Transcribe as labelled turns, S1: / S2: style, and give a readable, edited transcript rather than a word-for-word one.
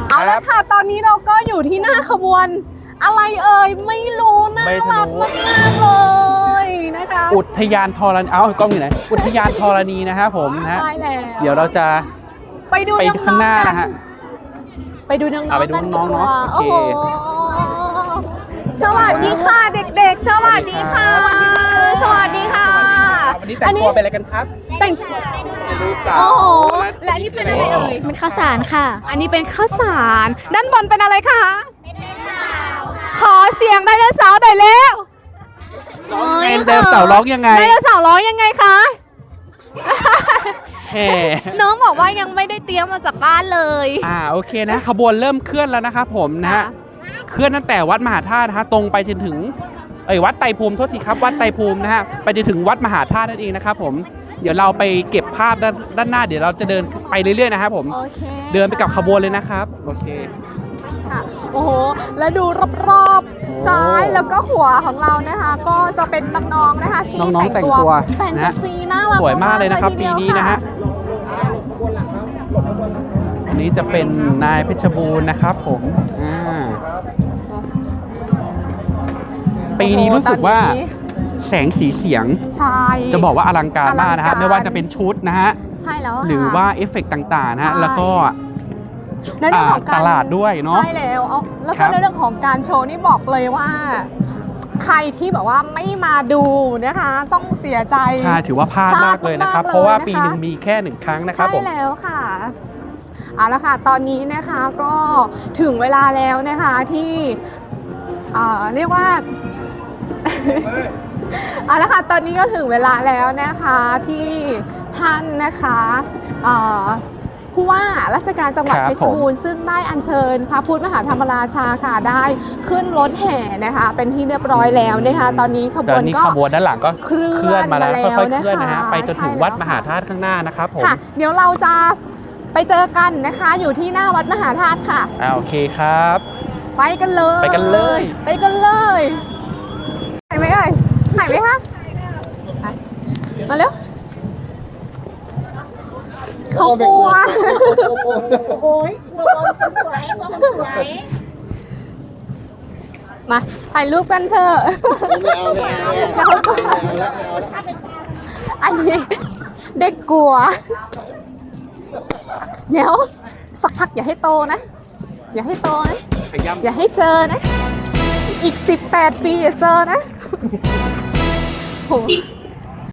S1: เอาละค่ะตอนนี้เราก็อยู่ที่หน้าขบวนอะไรเอ่ยไม่รู้น่ารักมากๆเลยนะคะ
S2: อุทยานธรณีกล้องอยู่ไหนอุทยานธรณีนะครับผมนะฮะ
S1: ใช่แล้ว
S2: เดี๋ยวเราจะไปข้างหน้านะฮะ
S1: ไปดูน้องๆกันดีกว่า
S2: โอเค
S1: สวัสดีค่ะเด็กๆสวัสดีค่ะสวัสดีค่ะ
S2: วันนี้แต่งตัวเป็นอะไรกันครับ
S1: แต่งโอ้โหและนี่เป็นอะไรเอ่ย
S3: เป็นข้าวสารค่ะ
S1: อันนี้เป็นข้าวสารด้านบนเป็นอะไรคะขอเสียงไดโนเสาร์หน่อยเร็ว
S2: ไดโนเสาร์ร้องยังไง
S1: ไดโนเสาร์ร้องยังไงคะ
S2: แห่
S1: น้องบอกว่ายังไม่ได้เตรียมมาจากบ้านเลย
S2: โอเคนะขบวนเริ่มเคลื่อนแล้วนะครับผมนะฮะเคลื่อนตั้งแต่วัดมหาธาตุนะฮะตรงไปจนถึงวัดไตรภูมิโทษทีครับวัดไตรภูมินะฮะไปจนถึงวัดมหาธาตุนั่นเองนะครับผมเดี๋ยวเราไปเก็บภาพด้านหน้าเดี๋ยวเราจะเดินไปเรื่อยๆนะครับผมเดินไปกับขบวนเลยนะครับโอเค
S1: ค่ะโอ้โหแล้วดูรอบๆซ้ายแล้วก็หัวของเรานะคะก็จะเป็นน้องๆนะคะที่แต่งตัวแฟนตาซีน่ารัก
S2: สวยมากเลยนะครับปีนี้นะฮะอันนี้จะเป็นนายเพชรบูรณ์นะครับผมปีนี้รู้สึกว่าแสงสีเสียงจะบอกว่าอลังการมากนะฮะไม่ว่าจะเป็นชุดนะฮะ
S1: ใช่แล้ว
S2: หรือว่าเอฟเฟกต์ต่างๆนะฮะแล้วก็
S1: ในเรื่องของ
S2: ตลาดด้วยเนาะ
S1: ใช่แล้วก็ในเรื่องของการโชว์นี่บอกเลยว่าใครที่แบบว่าไม่มาดูนะคะต้องเสียใจ
S2: ใช่ถือว่าพลาดมากเลยนะครับเพราะว่าปีหนึ่งมีแค่1 ครั้งนะครับผม
S1: ใช่แล้วค่ะเอาละค่ะตอนนี้นะคะก็ถึงเวลาแล้วนะคะที่เรียกว่าเอาละค่ะตอนนี้ก็ถึงเวลาแล้วนะคะที่ท่านนะคะผู้ว่าราชการจังหวัดเพชรบูรณ์ซึ่งได้อัญเชิญพระพุทธมหาธรรมราชาค่ะได้ขึ้นรถแห่นะคะเป็นที่เรียบร้อยแล้วนะคะตอนนี้ขบวน
S2: ด้านหลังก็เคลื่อนมาแล้วค่อยๆเคลื่อนนะฮะไปจนถึงวัดมหาธาตุข้างหน้านะครับผม
S1: ค่ะเดี๋ยวเราจะไปเจอกันนะคะอยู่ที่หน้าวัดมหาธาตุค่ะ
S2: โอเคครับ
S1: ไปกันเลย
S2: ไปกันเลย
S1: ถ่ายไหมเอ่ยถ่ายไหมคะมาเร็วเขากลัวโอ้ยมาถ่ายรูปกันเถอะอันนี้เด็กกลัวเดี๋ยวสักพักอย่าให้โตนะอย่าให้เจอนะอีก18 ปีอย่าเจอนะโห